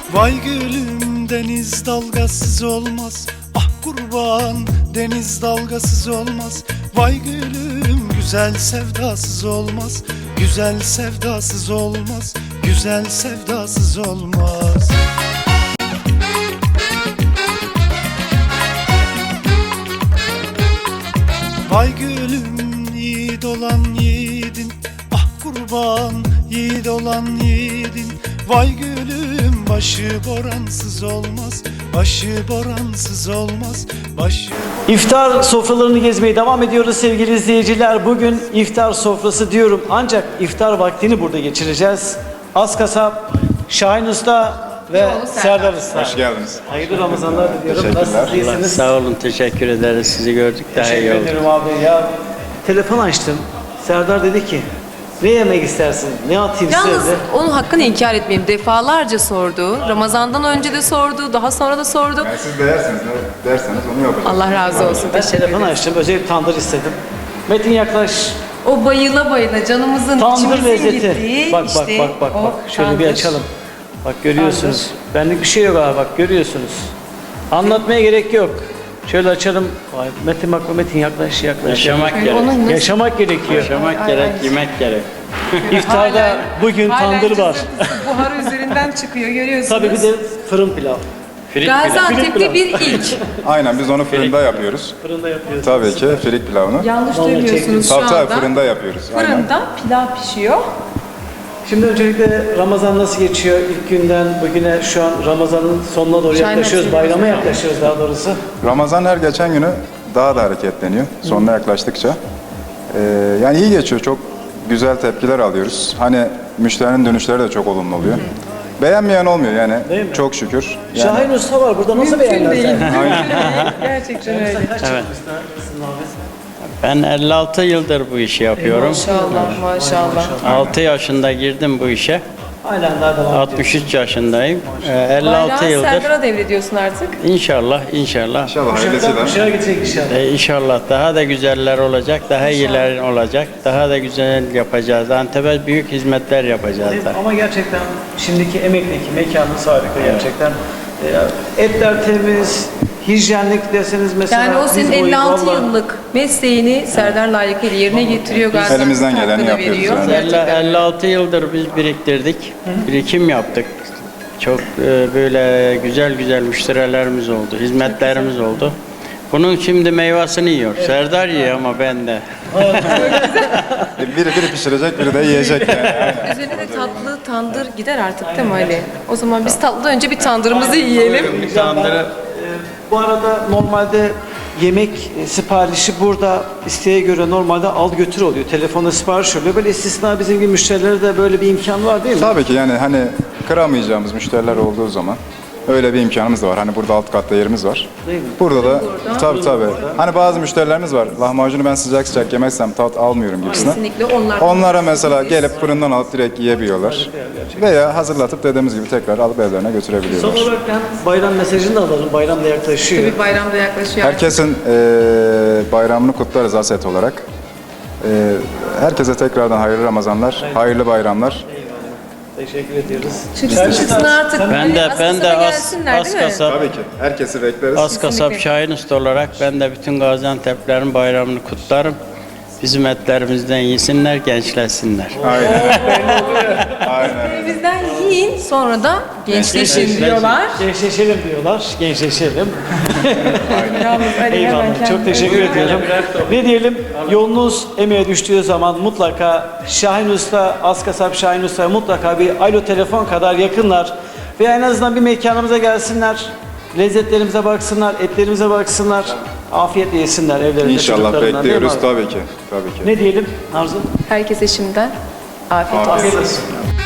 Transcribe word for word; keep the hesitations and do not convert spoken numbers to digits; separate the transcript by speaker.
Speaker 1: Vay gülüm deniz dalgasız olmaz. Ah kurban deniz dalgasız olmaz. Vay gülüm güzel sevdasız olmaz. Güzel sevdasız olmaz. Güzel sevdasız olmaz. Vay gülüm yiğit olan yiğidin. Ah kurban yiğit olan yiğidin. Vay gülüm başı boransız olmaz. Başı boransız olmaz. Başı
Speaker 2: İftar sofralarını gezmeye devam ediyoruz sevgili izleyiciler. Bugün iftar sofrası diyorum ancak iftar vaktini burada geçireceğiz. Askasap, Şahin Usta ve Serdar Usta.
Speaker 3: Hoş geldiniz.
Speaker 2: Hayırlı Ramazanlar diliyorum.
Speaker 3: Teşekkürler.
Speaker 2: Nasılsınız, iyisiniz?
Speaker 4: Sağ olun, teşekkür ederiz. Sizi gördük, daha iyi
Speaker 2: Teşekkür
Speaker 4: oldu.
Speaker 2: ederim abi ya. Telefon açtım. Serdar dedi ki ne yemek istersin? Ne atayım
Speaker 5: Yalnız
Speaker 2: size?
Speaker 5: onun hakkını inkar etmeyeyim. Defalarca sordu. Ramazan'dan önce de sordu. Daha sonra da sordu.
Speaker 3: Yani siz de yerseniz, ne derseniz onu yapacağız.
Speaker 5: Allah razı olsun.
Speaker 2: Ben
Speaker 5: Teşekkür
Speaker 2: telefon
Speaker 5: ederim.
Speaker 2: açtım. Özel bir tandır istedim. Metin yaklaş.
Speaker 5: O bayıla bayıla canımızın
Speaker 2: Tandır
Speaker 5: içimizin
Speaker 2: lezzeti.
Speaker 5: gittiği
Speaker 2: Bak bak
Speaker 5: işte
Speaker 2: bak bak
Speaker 5: o
Speaker 2: bak. Şöyle bir
Speaker 5: tandır.
Speaker 2: açalım. Bak görüyorsunuz. Benlik bir şey yok abi bak görüyorsunuz. Anlatmaya gerek yok. Şöyle açalım. Vay, Metin bak Metin yaklaş yaklaş.
Speaker 4: Yaşamak
Speaker 5: Yani
Speaker 4: gerek.
Speaker 5: onun nasıl-
Speaker 2: Yaşamak gerekiyor.
Speaker 4: Yaşamak
Speaker 5: Ay,
Speaker 4: gerek,
Speaker 5: ay.
Speaker 4: yemek gerek.
Speaker 2: İftarda
Speaker 5: Halen-
Speaker 2: bugün
Speaker 5: halen
Speaker 2: tandır var.
Speaker 5: cızırtısı buharı üzerinden çıkıyor görüyorsunuz.
Speaker 2: Tabii bir de fırın pilav.
Speaker 4: Frit pilav.
Speaker 5: Gaziantep'te bir ilk.
Speaker 3: Aynen biz onu fırında yapıyoruz.
Speaker 2: Fırında yapıyoruz.
Speaker 3: Tabii ki firik pilavını.
Speaker 5: Yanlış
Speaker 2: Vallahi
Speaker 5: duymuyorsunuz şu
Speaker 3: Tabii
Speaker 5: anda.
Speaker 3: tabii fırında yapıyoruz. Aynen.
Speaker 5: Fırında pilav pişiyor.
Speaker 2: Şimdi öncelikle Ramazan nasıl geçiyor? İlk günden bugüne şu an Ramazan'ın sonuna doğru
Speaker 5: Şahin
Speaker 2: yaklaşıyoruz.
Speaker 5: nasıl
Speaker 2: Bayrama
Speaker 5: geçiyor?
Speaker 2: yaklaşıyoruz daha doğrusu.
Speaker 3: Ramazan her geçen günü daha da hareketleniyor. Sonuna yaklaştıkça. Ee, yani iyi geçiyor. Çok güzel tepkiler alıyoruz. Hani müşterinin dönüşleri de çok olumlu oluyor. Beğenmeyen olmuyor yani.
Speaker 2: Değil mi?
Speaker 3: Çok şükür. Yani,
Speaker 2: Şahin Usta var burada nasıl
Speaker 5: Mümkün değil.
Speaker 2: beğenmezler?
Speaker 5: Mümkün değil. Gerçekten öyle.
Speaker 4: Evet. Ben elli altı yıldır bu işi yapıyorum.
Speaker 5: Maşallah maşallah.
Speaker 4: altı yaşında girdim bu işe.
Speaker 2: Aynen daha devam ediyoruz.
Speaker 4: altmış üç yaşındayım. Ee, elli altı
Speaker 5: Bayrağı
Speaker 4: yıldır.
Speaker 5: Serdar'a devrediyorsun artık.
Speaker 4: İnşallah, inşallah.
Speaker 3: İnşallah
Speaker 2: Kuşaktan
Speaker 3: hayırlısıyla.
Speaker 2: kuşağa gidecek inşallah.
Speaker 4: Ee, inşallah daha da güzeller olacak, daha iyiler olacak, daha da güzel yapacağız. Antep'e büyük hizmetler yapacağız da.
Speaker 2: Ama gerçekten şimdiki emekteki mekanınız harika gerçekten. Ee, Etler temiz, hijyenlik deseniz mesela.
Speaker 5: Yani o
Speaker 2: diz
Speaker 5: senin
Speaker 2: boyu
Speaker 5: elli altı
Speaker 2: vallahi-
Speaker 5: yıllık mesleğini Serdar layıkıyla yerine getiriyor. Gaziantep
Speaker 3: Elimizden geleni
Speaker 5: hakkını
Speaker 3: yapıyoruz
Speaker 5: veriyor.
Speaker 3: yani.
Speaker 4: elli,
Speaker 5: Gerçekten.
Speaker 4: elli altı yıldır biz biriktirdik, birikim yaptık. Çok e, böyle güzel güzel müşterilerimiz oldu, hizmetlerimiz oldu. Bunun şimdi meyvasını yiyor. Serdar yiyor ama ben de.
Speaker 3: Biri biri pişirecek, biri de yiyecek yani. Aynen.
Speaker 5: Üzerine de tatlı tandır gider artık değil mi Ali? O zaman biz tatlıdan önce bir tandırımızı yiyelim.
Speaker 4: Bir tandırı
Speaker 2: Ee, Bu arada normalde yemek e, siparişi burada isteğe göre normalde al götür oluyor. Telefonda sipariş oluyor. Böyle istisna bizim gibi müşterilere de böyle bir imkan var değil mi?
Speaker 3: Tabii ki yani hani kıramayacağımız müşteriler olduğu zaman öyle bir imkanımız da var. Hani burada alt katta yerimiz var.
Speaker 2: Değil mi?
Speaker 3: Burada da tabii tabii. Hani bazı müşterilerimiz var. Lahmacunu ben sıcak sıcak yemezsem tat almıyorum gibisinden.
Speaker 5: Kesinlikle onlar.
Speaker 3: Onlara mesela gelip fırından alıp direkt yiyebiliyorlar. Veya hazırlatıp dediğimiz gibi tekrar alıp evlerine
Speaker 2: Son
Speaker 3: götürebiliyorlar.
Speaker 2: olarak ben bayram mesajını da alalım. Bayram da yaklaşıyor.
Speaker 5: Tabii bayramda yaklaşıyor.
Speaker 3: Herkesin eee, bayramını kutlarız Aset olarak. Eee, herkese tekrardan hayırlı Ramazanlar, hayırlı bayramlar.
Speaker 2: Teşekkür ediyoruz.
Speaker 5: Çıksın çıksın artık.
Speaker 4: Ben de
Speaker 5: Ali,
Speaker 4: ben de
Speaker 5: Askasap'a
Speaker 4: az,
Speaker 5: gelsinler,
Speaker 4: az
Speaker 5: değil mi?
Speaker 4: kasap
Speaker 3: Tabii ki. Herkesi bekleriz.
Speaker 4: az kasap
Speaker 5: Kesinlikle.
Speaker 4: Şahin Usta olarak ben de bütün Gaziantep'lerin bayramını kutlarım. Bizim etlerimizden yesinler, gençleşsinler.
Speaker 5: Bizden yiyin sonra da gençleşin diyorlar.
Speaker 2: Gençleşelim diyorlar. Gençleşelim.
Speaker 5: Yalnız Ali hemen
Speaker 2: Eyvallah.
Speaker 5: kendini
Speaker 2: Çok teşekkür ediyorum. Ne diyelim? Yolunuz emeğe düştüğü zaman mutlaka Şahin Usta, Askasap Şahin Usta mutlaka bir alo telefon kadar yakınlar. Ve en azından bir mekanımıza gelsinler. Lezzetlerimize baksınlar, etlerimize baksınlar. Afiyetle yesinler evlerinde
Speaker 3: İnşallah
Speaker 2: çocuklarından, değil mi
Speaker 3: bekliyoruz
Speaker 2: abi?
Speaker 3: tabii ki. Tabii ki.
Speaker 2: Ne diyelim Arzu?
Speaker 5: Herkese şimdiden afiyet olsun.
Speaker 3: Afiyet
Speaker 2: Afiyet olsun.